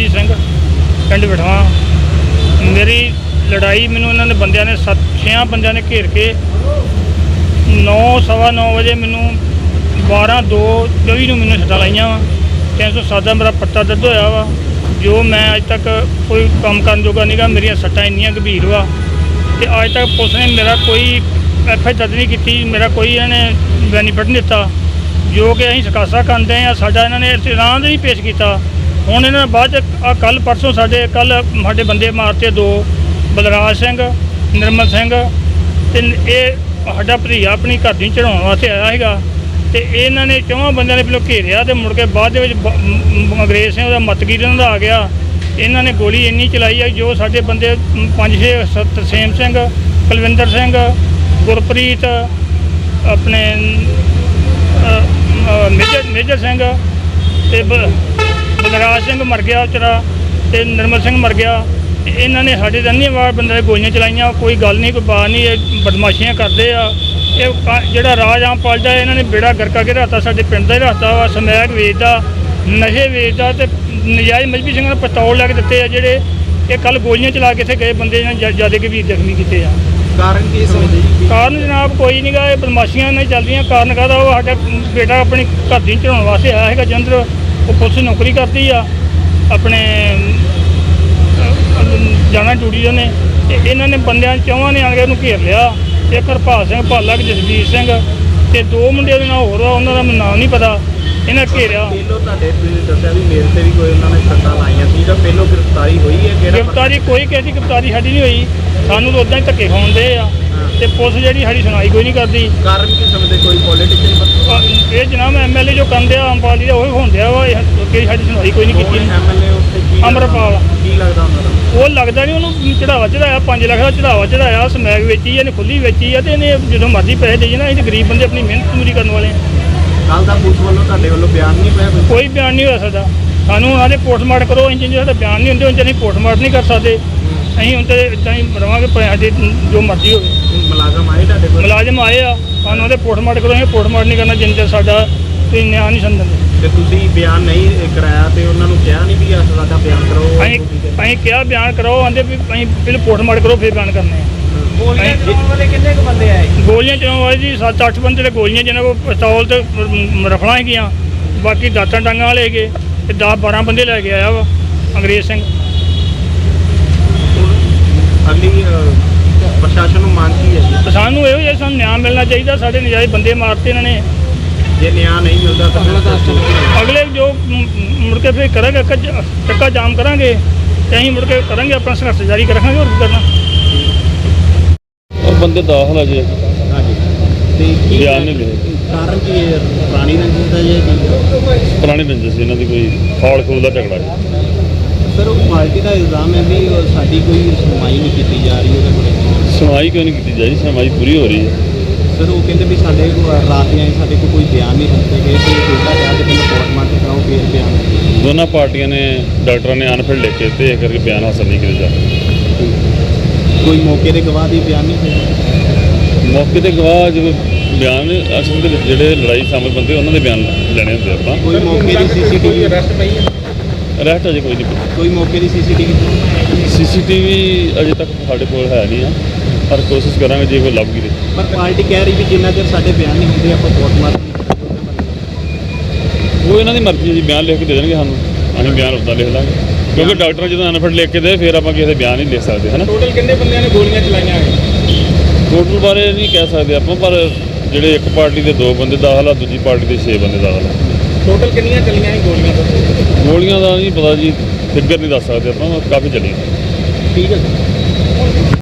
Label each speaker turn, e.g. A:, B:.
A: ਅਮਰਜੀਤ ਸਿੰਘ ਪਿੰਡ ਬਿਠਵਾ। ਮੇਰੀ ਲੜਾਈ ਮੈਨੂੰ ਇਹਨਾਂ ਨੇ ਬੰਦਿਆਂ ਨੇ 6 ਬੰਦਿਆਂ ਨੇ ਘੇਰ ਕੇ 9:15 ਵਜੇ ਮੈਨੂੰ 12:02:24 ਨੂੰ ਮੈਨੂੰ ਸੱਟਾਂ ਲਾਈਆਂ ਵਾ। 307 ਦਾ ਮੇਰਾ ਪੱਤਾ ਦਰਦ ਹੋਇਆ ਵਾ। ਜੋ ਮੈਂ ਅੱਜ ਤੱਕ ਕੋਈ ਕੰਮ ਕਰਨ ਜੋਗਾ ਨਹੀਂਗਾ। ਮੇਰੀਆਂ ਸੱਟਾਂ ਇੰਨੀਆਂ ਗੰਭੀਰ ਵਾ ਤੇ ਅੱਜ ਤੱਕ ਪੁਲਿਸ ਨੇ ਮੇਰਾ ਕੋਈ ਐਫ.ਆਈ. ਦਰਜ ਨਹੀਂ ਕੀਤੀ। ਮੇਰਾ ਕੋਈ ਇਹਨਾਂ ਨੇ ਬੈਨੀਫਿਟ ਨਹੀਂ ਦਿੱਤਾ ਜੋ ਕਿ ਅਸੀਂ ਸਕਾਸਾ ਕਰਦੇ ਹਾਂ। ਸਾਡਾ ਇਹਨਾਂ ਨੇ ਇਤਰਾਜ਼ ਨਹੀਂ ਪੇਸ਼ ਕੀਤਾ। ਹੁਣ ਇਹਨਾਂ ਨੇ ਬਾਅਦ ਚ ਕੱਲ੍ਹ ਪਰਸੋਂ ਸਾਡੇ ਬੰਦੇ ਮਾਰਤੇ 2 ਬਲਰਾਜ ਸਿੰਘ, ਨਿਰਮਲ ਸਿੰਘ ਤੇ ਇਹ ਸਾਡਾ ਭਤੀਜਾ ਆਪਣੀ ਘਰ ਦੀ ਚੜਾਉਣ ਵਾਸਤੇ ਆਇਆ ਸੀਗਾ ਤੇ ਇਹਨਾਂ ਨੇ 4 ਬੰਦਿਆਂ ਨੇ ਪਹਿਲਾਂ ਘੇਰਿਆ ਤੇ ਮੁੜ ਕੇ ਬਾਅਦ ਦੇ ਵਿੱਚ ਅੰਗਰੇਜ਼ ਸਿੰਘ ਉਹਦਾ ਮਤਗੀਰ ਇਹਨਾਂ ਦਾ ਆ ਗਿਆ। ਇਹਨਾਂ ਨੇ ਗੋਲੀ ਇੰਨੀ ਚਲਾਈ ਆ ਜੋ ਸਾਡੇ ਬੰਦੇ 5-6 ਤਰਸੇਮ ਸਿੰਘ, ਕੁਲਵਿੰਦਰ ਸਿੰਘ, ਗੁਰਪ੍ਰੀਤ, ਆਪਣੇ ਮੇਜਰ ਸਿੰਘ ਤੇ ਬਲਰਾਜ ਸਿੰਘ ਮਰ ਗਿਆ ਵਿਚਾਰਾ ਤੇ ਨਿਰਮਲ ਸਿੰਘ ਮਰ ਗਿਆ। ਇਹਨਾਂ ਨੇ ਸਾਡੇ ਤਾਂ ਵਾਰ ਬੰਦੇ ਗੋਲੀਆਂ ਚਲਾਈਆਂ। ਕੋਈ ਗੱਲ ਨਹੀਂ, ਕੋਈ ਬਾਤ ਨਹੀਂ, ਇਹ ਬਦਮਾਸ਼ੀਆਂ ਕਰਦੇ ਆ। ਇਹ ਜਿਹੜਾ ਰਾਜ ਆਮ ਪਾਲਦਾ ਇਹਨਾਂ ਨੇ ਬੇੜਾ ਗਰਕਾ ਕੇ ਰੱਖਤਾ। ਸਾਡੇ ਪਿੰਡ ਦਾ ਹੀ ਰੱਖਤਾ ਵਾ। ਸਮੈਕ ਵੇਚਦਾ, ਨਸ਼ੇ ਵੇਚਦਾ ਤੇ ਨਜਾਇਜ਼ ਮਜਬੀ ਸਿੰਘਾਂ ਨੂੰ ਪਿਸਤੌਲ ਲੈ ਕੇ ਦਿੱਤੇ ਆ ਜਿਹੜੇ ਇਹ ਕੱਲ੍ਹ ਗੋਲੀਆਂ ਚਲਾ ਕੇ ਇੱਥੇ ਗਏ ਬੰਦੇ ਇਹਨਾਂ ਜ਼ਿਆਦਾ ਗੰਭੀਰ ਜ਼ਖਮੀ ਕੀਤੇ ਆ।
B: ਕਾਰਨ ਕੀ ਸਮਝਦੇ ਜੀ?
A: ਕਾਰਨ ਜਨਾਬ ਕੋਈ ਨਹੀਂ ਗਾ, ਇਹ ਬਦਮਾਸ਼ੀਆਂ ਨਹੀਂ ਚੱਲਦੀਆਂ। ਕਾਰਨ ਕਾਹਦਾ? ਉਹ ਸਾਡਾ ਬੇਟਾ ਆਪਣੀ ਘਰ ਦੀ ਚੜਾਉਣ ਵਾਸਤੇ ਆਇਆ ਹੈਗਾ ਜਲੰਧਰ। ਉਹ ਪੁਲਿਸ ਨੌਕਰੀ ਕਰਦੀ ਆ, ਆਪਣੇ ਜਾਣਾ ਡਿਊਟੀ ਨੇ ਤੇ ਇਹਨਾਂ ਨੇ ਬੰਦਿਆਂ 4 ਨੇ ਆਣ ਕੇ ਉਹਨੂੰ ਘੇਰ ਲਿਆ। ਇੱਕ ਹਰਪਾਲ ਸਿੰਘ ਭਾਲਾ, ਜਸਵੀਰ ਸਿੰਘ ਤੇ 2 ਮੁੰਡੇ ਦੇ ਨਾਲ ਹੋਰ ਆ, ਉਹਨਾਂ ਦਾ ਮੈਨੂੰ ਨਾਮ ਨਹੀਂ ਪਤਾ। ਇਹਨਾਂ ਘੇਰਿਆ।
B: ਪਹਿਲੋਂ ਤੁਹਾਡੇ ਤੁਸੀਂ ਦੱਸਿਆ ਵੀ ਮੇਰੇ ਤੇ ਵੀ ਕੋਈ ਉਹਨਾਂ ਨੇ ਸੱਟਾਂ ਲਾਈਆਂ ਸੀ ਜਾਂ ਪਹਿਲੋਂ ਗ੍ਰਿਫਤਾਰੀ ਹੋਈ ਹੈ? ਕਿਹੜਾ
A: ਗ੍ਰਿਫਤਾਰੀ ਕੋਈ ਕਿਸੇ ਦੀ ਗ੍ਰਿਫਤਾਰੀ ਸਾਡੀ ਨਹੀਂ ਹੋਈ। ਸਾਨੂੰ ਤਾਂ ਉੱਦਾਂ ਹੀ ਧੱਕੇ ਖਾਉਂਦੇ ਆ ਤੇ ਪੁਲਿਸ ਜਿਹੜੀ ਸਾਡੀ ਸੁਣਾਈ ਕੋਈ ਨਹੀਂ ਕਰਦੀ।
B: ਕਾਰਨ ਕੀ ਸਮਝਦੇ? ਕੋਈ ਪੋਲੀਟੀਕਲ
A: ਇਹ ਜਨਾਬ ਐਮਐਲਏ ਜੋ ਕਰਦੇ ਆ ਅੰਬਾਲ ਜੀ ਦਾ ਉਹ ਹੁੰਦੇ ਆ ਵਾ। ਕਿ ਸਾਡੀ ਸੁਣਵਾਈ ਕੋਈ ਨਹੀਂ ਕੀਤੀ।
B: ਐਮਐਲਏ ਉੱਥੇ ਕੀ
A: ਅਮਰਪਾਲ
B: ਕੀ ਲੱਗਦਾ ਉਹਨਾਂ ਦਾ?
A: ਉਹ ਲੱਗਦਾ ਨਹੀਂ, ਉਹਨੂੰ ਚੜਾਵਾ ਚੜਾਇਆ 5 ਲੱਖ ਦਾ ਚੜਾਵਾ ਚੜਾਇਆ। ਸਮੈਕ ਵੇਚੀ ਇਹਨੇ, ਖੁੱਲੀ ਵੇਚੀ ਆ ਤੇ ਇਹਨੇ ਜਦੋਂ ਮਰਜ਼ੀ ਪੈਸੇ ਦੇਈ ਨਾ। ਅਸੀਂ ਤਾਂ ਗਰੀਬ ਬੰਦੇ ਆਪਣੀ ਮਿਹਨਤ ਪੂਰੀ ਕਰਨ ਵਾਲੇ ਆ।
B: ਕੱਲ੍ਹ ਦਾ ਪੁਲਿਸ ਵੱਲੋਂ ਤੁਹਾਡੇ ਵੱਲੋਂ ਬਿਆਨ ਨਹੀਂ ਪਿਆ?
A: ਕੋਈ ਬਿਆਨ ਨਹੀਂ ਹੋ ਸਕਦਾ। ਸਾਨੂੰ ਉਹਨਾਂ ਦੇ ਪੋਸਟਮਾਰਟਮ ਕਰੋ। ਅਸੀਂ ਜੇ ਸਾਡਾ ਬਿਆਨ ਨਹੀਂ ਹੁੰਦੇ ਉਹਨਾਂ ਅਸੀਂ ਪੋਸਟਮਾਰਟਮ ਨਹੀਂ ਕਰ ਸਕਦੇ। ਅਸੀਂ ਹੁਣ ਤਾਂ ਇੱਦਾਂ ਹੀ ਰਵਾਂਗੇ ਸਾਡੇ ਜੋ ਮਰਜ਼ੀ ਹੋਵੇ।
B: ਮੁਲਾਜ਼ਮ ਆਏ ਤੁਹਾਡੇ ਕੋਲ?
A: ਮੁਲਾਜ਼ਮ ਆਏ ਆ, ਸਾਨੂੰ ਉਹਦੇ ਪੋਸਟਮਾਰਟਮ ਕਰੋ। ਅਸੀਂ ਪੋਸਟਮਾਰਟਮ ਨਹੀਂ ਕਰਨਾ ਜਿੰਨੇ ਚਿਰ ਸਾਡਾ ਤੁਸੀਂ ਨਿਆਂ ਨਹੀਂ ਸਮਝਦੇ।
B: ਤੇ ਤੁਸੀਂ ਬਿਆਨ ਨਹੀਂ ਕਰਾਇਆ ਤੇ ਉਹਨਾਂ ਨੂੰ ਕਿਹਾ ਨਹੀਂ ਵੀ ਸਾਡਾ ਬਿਆਨ ਕਰੋ?
A: ਅਸੀਂ ਕਿਹਾ ਬਿਆਨ ਕਰਾਓ, ਆਂਦੇ ਵੀ ਅਸੀਂ ਪਹਿਲਾਂ ਪੋਸਟਮਾਰਟਮ ਕਰੋ ਫਿਰ ਬਿਆਨ ਕਰਨੇ ਆ।
B: ਗੋਲੀਆਂ ਚਲਾਉਣ ਵਾਲੇ ਕਿੰਨੇ ਕੁ ਬੰਦੇ ਆਏ?
A: ਗੋਲੀਆਂ ਚਲਾਉਣ ਵਾਲੇ ਜੀ 7-8 ਬੰਦੇ ਦੇ ਗੋਲੀਆਂ ਜਿਹਨਾਂ ਕੋਲ ਪਿਸਤੌਲ ਤੇ ਰਫਲਾਂ ਹੈਗੀਆਂ। ਬਾਕੀ ਦਾਤਾਂ ਡਾਂਗਾਂ ਵਾਲੇ ਹੈਗੇ ਤੇ 10-12 ਬੰਦੇ ਲੈ ਕੇ ਆਇਆ ਵਾ ਅੰਗਰੇਜ਼ ਸਿੰਘ।
B: ਅਗਲੀ ਪ੍ਰਸ਼ਾਸਨ ਨੂੰ ਮੰਗ ਕੀ ਹੈ ਜੀ?
A: ਸਾਨੂੰ ਇਹੋ ਜਿਹਾ ਸਾਨੂੰ ਨਿਆਂ ਮਿਲਣਾ ਚਾਹੀਦਾ। ਸਾਡੇ ਨਜਾਇਜ਼ ਬੰਦੇ ਮਾਰਤੇ ਇਹਨਾਂ ਨੇ।
B: ਜੇ ਨਿਆਂ ਨਹੀਂ ਮਿਲਦਾ ਤਾਂ
A: ਅਗਲੇ ਜੋ ਮੁੜ ਕੇ ਫਿਰ ਕਰਾਂਗੇ ਚੱਕਾ ਜਾਮ ਕਰਾਂਗੇ ਤੇ ਅਸੀਂ ਮੁੜ ਕੇ ਕਰਾਂਗੇ ਆਪਣਾ ਸੰਘਰਸ਼ ਜਾਰੀ ਰੱਖਾਂਗੇ। ਹੋਰ ਕੀ ਕਰਨਾ।
C: ਉਹ ਬੰਦੇ ਦਾਖਲ ਆ ਜੀ।
B: ਹਾਂਜੀ ਤੇ ਕੀ
C: ਬਿਆਨ ਨਹੀਂ ਲਿਖੇ।
B: ਕਾਰਨ ਕੀ ਹੈ? ਪੁਰਾਣੀ ਰੰਜਿਸ਼ ਦਾ ਜੇ
C: ਪੁਰਾਣੀ ਰੰਜਿਸ਼ ਇਹਨਾਂ ਦੀ ਕੋਈ ਫੌਲ ਖੂਲ ਦਾ ਝਗੜਾ ਹੈ।
B: ਸਰ ਉਹ ਪਾਰਟੀ ਦਾ ਇਲਜ਼ਾਮ ਹੈ ਵੀ ਸਾਡੀ ਕੋਈ ਸੁਣਵਾਈ ਨਹੀਂ ਕੀਤੀ ਜਾ ਰਹੀ ਉਹਦੇ ਕੋਲ।
C: ਸੁਣਵਾਈ ਕਿਉਂ ਨਹੀਂ ਕੀਤੀ ਜਾ ਰਹੀ? ਸੁਣਵਾਈ ਪੂਰੀ ਹੋ ਰਹੀ ਹੈ।
B: ਸਰ ਉਹ ਕਹਿੰਦੇ ਵੀ ਸਾਡੇ ਰਾਤ ਆਏ ਸਾਡੇ ਕੋਲ ਕੋਈ ਬਿਆਨ ਨਹੀਂ ਦਿੱਤੇ ਗਏ ਤੇ ਛੋਟਾ ਜਿਹਾ ਤੇ ਪਹਿਲਾਂ ਪੋਸਟਮਾਰਟਮ ਕਰਾਓ ਫਿਰ ਬਿਆਨ।
C: ਦੋਨਾਂ ਪਾਰਟੀਆਂ ਨੇ ਡਾਕਟਰਾਂ ਨੇ ਅਨਫਿਟ ਲਿਖ ਕੇ ਤੇ ਇਹ ਕਰਕੇ ਬਿਆਨ ਹਾਸਲ ਨਹੀਂ ਕੀਤੇ ਜਾ ਰਹੇ।
B: ਕੋਈ ਮੌਕੇ ਦੇ ਗਵਾਹ ਦੀ ਬਿਆਨ ਨਹੀਂ ਹੋਏ?
C: ਮੌਕੇ ਤੇ ਗਵਾਹ ਜਦੋਂ ਬਿਆਨ ਅਸਲ ਦੇ ਵਿੱਚ ਜਿਹੜੇ ਲੜਾਈ ਸ਼ਾਮਲ ਬੰਦੇ ਉਹਨਾਂ ਦੇ ਬਿਆਨ ਲੈਣੇ ਹੁੰਦੇ ਆਪਾਂ।
B: ਕੋਈ ਮੌਕੇ ਦੀ ਸੀਸੀਟੀਵੀ ਅਰੈਸਟ ਪਈ ਹੈ?
C: ਅਰੈਸਟ ਅਜੇ ਕੋਈ ਨਹੀਂ।
B: ਕੋਈ ਮੌਕੇ ਦੀ
C: ਸੀਸੀਟੀਵੀ ਅਜੇ ਤੱਕ ਸਾਡੇ ਕੋਲ ਹੈ ਨਹੀਂ ਆ, ਪਰ ਕੋਸ਼ਿਸ਼ ਕਰਾਂਗੇ ਜੇ ਕੋਈ ਲੱਭ ਗਈ।
B: ਪਰ ਪਾਰਟੀ ਕਹਿ ਰਹੀ ਵੀ ਜਿੰਨਾ ਚਿਰ ਸਾਡੇ ਬਿਆਨ ਨਹੀਂ ਹੁੰਦੇ ਆਪਾਂ ਪੋਸਟਮਾਰਟਮ ਨਹੀਂ
C: ਉਹ ਇਹਨਾਂ ਦੀ ਮਰਜ਼ੀ ਹੈ ਜੀ। ਬਿਆਨ ਲਿਖ ਕੇ ਦੇ ਦੇਣਗੇ ਸਾਨੂੰ, ਅਸੀਂ ਬਿਆਨ ਉੱਦਾਂ ਲਿਖ ਲਾਂਗੇ ਕਿਉਂਕਿ ਡਾਕਟਰ ਜਦੋਂ ਅਨਫਿਟ ਲਿਖ ਕੇ ਦੇ ਫਿਰ ਆਪਾਂ ਕਿਸੇ ਦੇ ਬਿਆਨ ਨਹੀਂ ਲਿਖ ਸਕਦੇ ਹੈ ਨਾ।
B: ਟੋਟਲ ਕਿੰਨੇ ਬੰਦਿਆਂ ਨੇ ਗੋਲੀਆਂ ਚਲਾਈਆਂ ਹੈ?
C: ਟੋਟਲ ਬਾਰੇ ਨਹੀਂ ਕਹਿ ਸਕਦੇ ਆਪਾਂ, ਪਰ ਜਿਹੜੇ ਇੱਕ ਪਾਰਟੀ ਦੇ 2 ਬੰਦੇ ਦਾਖਲ ਆ, ਦੂਜੀ ਪਾਰਟੀ ਦੇ 6 ਬੰਦੇ ਦਾਖਲ ਆ।
B: ਟੋਟਲ ਕਿੰਨੀਆਂ ਚੱਲੀਆਂ ਸੀ ਗੋਲੀਆਂ?
C: ਗੋਲੀਆਂ ਦਾ ਨਹੀਂ ਪਤਾ ਜੀ, ਫਿਗਰ ਨਹੀਂ ਦੱਸ ਸਕਦੇ ਆਪਾਂ, ਕਾਫੀ ਚੱਲੀਆਂ।
B: ਠੀਕ ਹੈ।